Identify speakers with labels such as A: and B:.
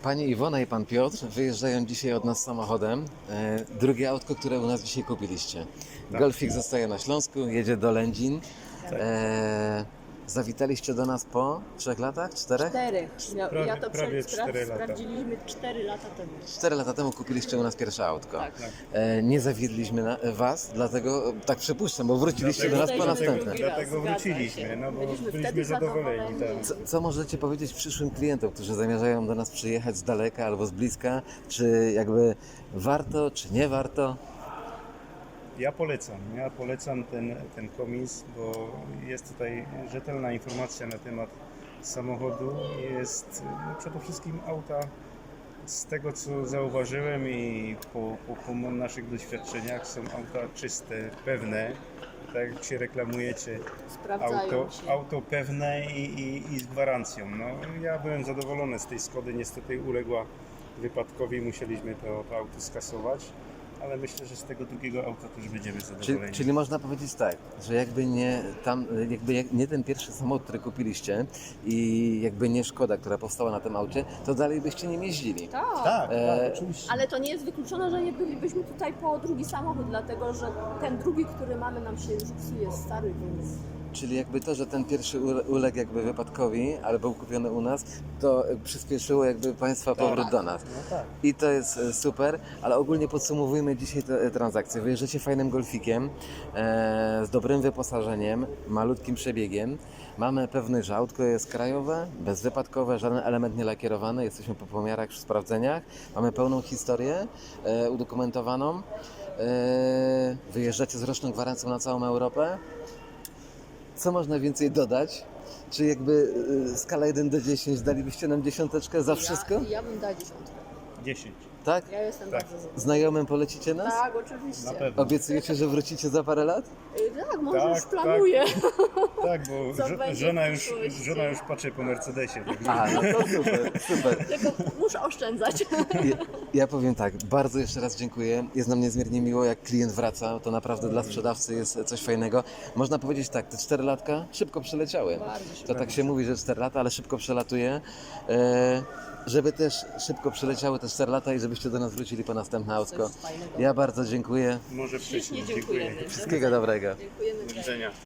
A: Pani Iwona i pan Piotr wyjeżdżają dzisiaj od nas samochodem. Drugie autko, które u nas dzisiaj kupiliście. Golfik zostaje na Śląsku, jedzie do Lędzin. Zawitaliście do nas po 3 latach? 4?
B: 4. Ja to
C: prawie 4 lata.
B: sprawdziliśmy 4 lata temu.
A: 4 lata temu kupiliście u nas pierwsze autko.
B: Tak.
A: Nie zawiedliśmy was, dlatego tak przypuszczam, bo wróciliście do nas po następne.
C: Dlatego wróciliśmy, no bo byliśmy
B: wtedy
C: zadowoleni. Tak.
A: Co możecie powiedzieć przyszłym klientom, którzy zamierzają do nas przyjechać z daleka albo z bliska? Czy jakby warto, czy nie warto?
C: Ja polecam ten komis, bo jest tutaj rzetelna informacja na temat samochodu. Jest przede wszystkim auta, z tego co zauważyłem i po naszych doświadczeniach, są auta czyste, pewne. Tak jak się reklamujecie,
B: Sprawdzają się.
C: auto pewne i z gwarancją. No, ja byłem zadowolony z tej Skody, niestety uległa wypadkowi, musieliśmy to auto skasować. Ale myślę, że z tego drugiego auta też będziemy zadowoleni.
A: Czyli można powiedzieć tak, że jakby nie ten pierwszy samochód, który kupiliście i jakby nie Szkoda, która powstała na tym aucie, to dalej byście nim jeździli.
B: Tak.
C: Oczywiście.
B: Ale to nie jest wykluczone, że nie bylibyśmy tutaj po drugi samochód, dlatego że ten drugi, który mamy, nam się już psuje, stary, więc...
A: Czyli jakby to, że ten pierwszy uległ jakby wypadkowi, ale był kupiony u nas, to przyspieszyło jakby Państwa powrót do nas.
C: No tak.
A: I to jest super, ale ogólnie podsumowujmy dzisiaj tę transakcję. Wyjeżdżacie fajnym golfikiem, z dobrym wyposażeniem, malutkim przebiegiem. Mamy pewność, że autko jest krajowe, bezwypadkowe, żaden element nie lakierowany. Jesteśmy po pomiarach, przy sprawdzeniach. Mamy pełną historię udokumentowaną. Wyjeżdżacie z roczną gwarancją na całą Europę. Co można więcej dodać? Czy jakby skala 1 do 10 dalibyście nam 10 za wszystko?
B: Ja bym dała 10.
C: 10.
A: Tak?
B: Ja jestem
C: Tak.
B: bardzo zadowolona.
A: Znajomym polecicie nas?
B: Tak, oczywiście.
C: Na pewno.
A: Obiecujecie, że wrócicie za parę lat?
B: Tak, może
C: Tak,
B: już planuję.
C: Tak, bo
B: Co będzie
C: żona
B: w
C: już
B: przyszłości?
C: patrzy po Mercedesie. Tak.
A: Aha, no to super, super.
B: Tylko muszę oszczędzać.
A: Ja powiem tak, bardzo jeszcze raz dziękuję. Jest nam niezmiernie miło, jak klient wraca. To naprawdę dla sprzedawcy jest coś fajnego. Można powiedzieć tak, te 4 latka szybko przeleciały.
B: Bardzo szybko.
A: To tak się mówi, że 4 lata, ale szybko przelatuje. Żeby też szybko przeleciały te 4 lata i żebyście do nas wrócili po następne autko.
B: Coś fajnego.
A: Ja bardzo dziękuję.
C: Może wcześniej.
B: Ślicznie dziękujemy.
A: Wszystkiego dobrego.
B: Dziękujemy.
C: Do widzenia.